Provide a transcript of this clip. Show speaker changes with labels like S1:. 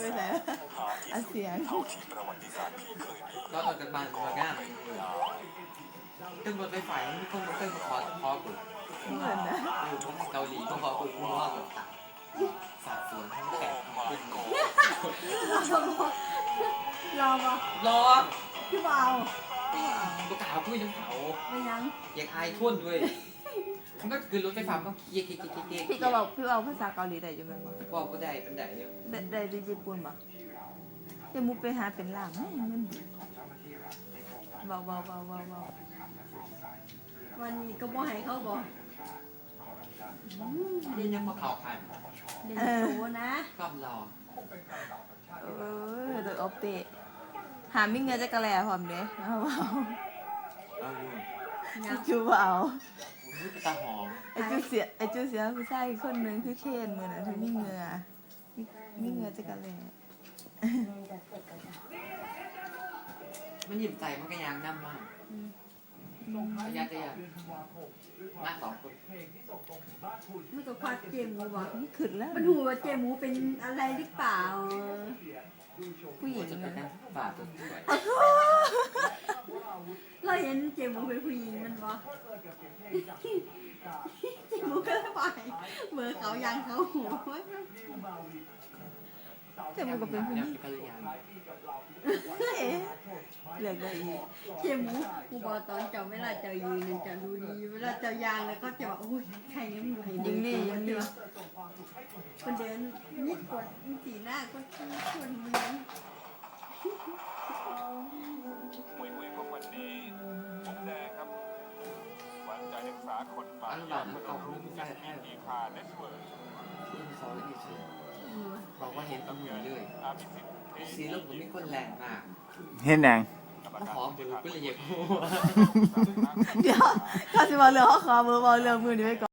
S1: ไปไหนอัดเสียง
S2: ก็ออกจากบ้านมาง่ายตึ้งรถไฟฟ้าไม่ต้องมาตึ้งมาขอกู
S1: เหมือนนะ
S2: อยู่ที่เกาหลีต้องขอกูกูว่าแบบต่างสาบสวนแขกเป็น
S1: รอปะ
S2: รอ
S1: พี่เบา
S2: ตัวขาวกูยังเขา
S1: ไม่ยัง
S2: อยากอายทุ่นด้วยมันก็คือรถไฟฟ้าต้องเก๊ก
S1: พี่ก็บอกพี่เบาภาษาเกาหลีได้ยังไงบ้าง
S2: บอกก็ได้เป็นได้
S1: ได้ญี่ปุ่นปะจะมุกไปหาเป็นหลังมันเบาวันนี้ก็บ่ให้เขาบอก
S2: เรียนยังมาเข่าขัน
S1: เรียนโตนะ
S2: ก็รอ
S1: โดยออปเปะหาไม่เงินจะกระแลพร้อมเด้เอาจูเบา
S2: ตาหอม
S1: ไอจูเสียผู้ชายคนหนึ่งคือเคนมือน่ะเธอมีเงือจะกระแล
S2: มันหยิบใจมันก็ยังน้ำมากยากมากสองคน
S1: มันก็ควักเจมูบอกนี่ขึ้นแล้วมันหูว่าเจมูเป็นอะไรหรือเปล่าผู้หญิง
S2: นะบาดตัว
S1: เราเห็นเจมูเป็นผู้หญิงมันบอกเจมูก็เลยไปเมื่อเขายังเขาหัวเจมูก็เป็นผู้หญิงเหลือเลยเจมูกูบอกตอนเจ้าเวลาเจ้ายืนจะดูดีเวลาเจ้ายางแล้วก็จะบอกอุ้ยใครเนี่ยมันอยู่ยิงนี่คนเดินนิดกดสีหน้าก็คนเมือง
S3: คุยพวกวันนี้ผมแดงครับหวังใจนักศึกษาคนใหม่
S2: เอารุ่นใช่ใช่
S3: อีพาเน็ตเวิร์ก
S2: รุ่นซอลที่สุดบอกว่าเห็นตำรวจเลยสีเรื่องผมมีคนแรงมาก
S4: เห็นยัง
S2: ขอเบอร์ก็เลยอยาก
S1: เดี๋ยวเขาจะมาเรื่องเขาขอเบอร์เรื่องมือนี้ไว้ก่อน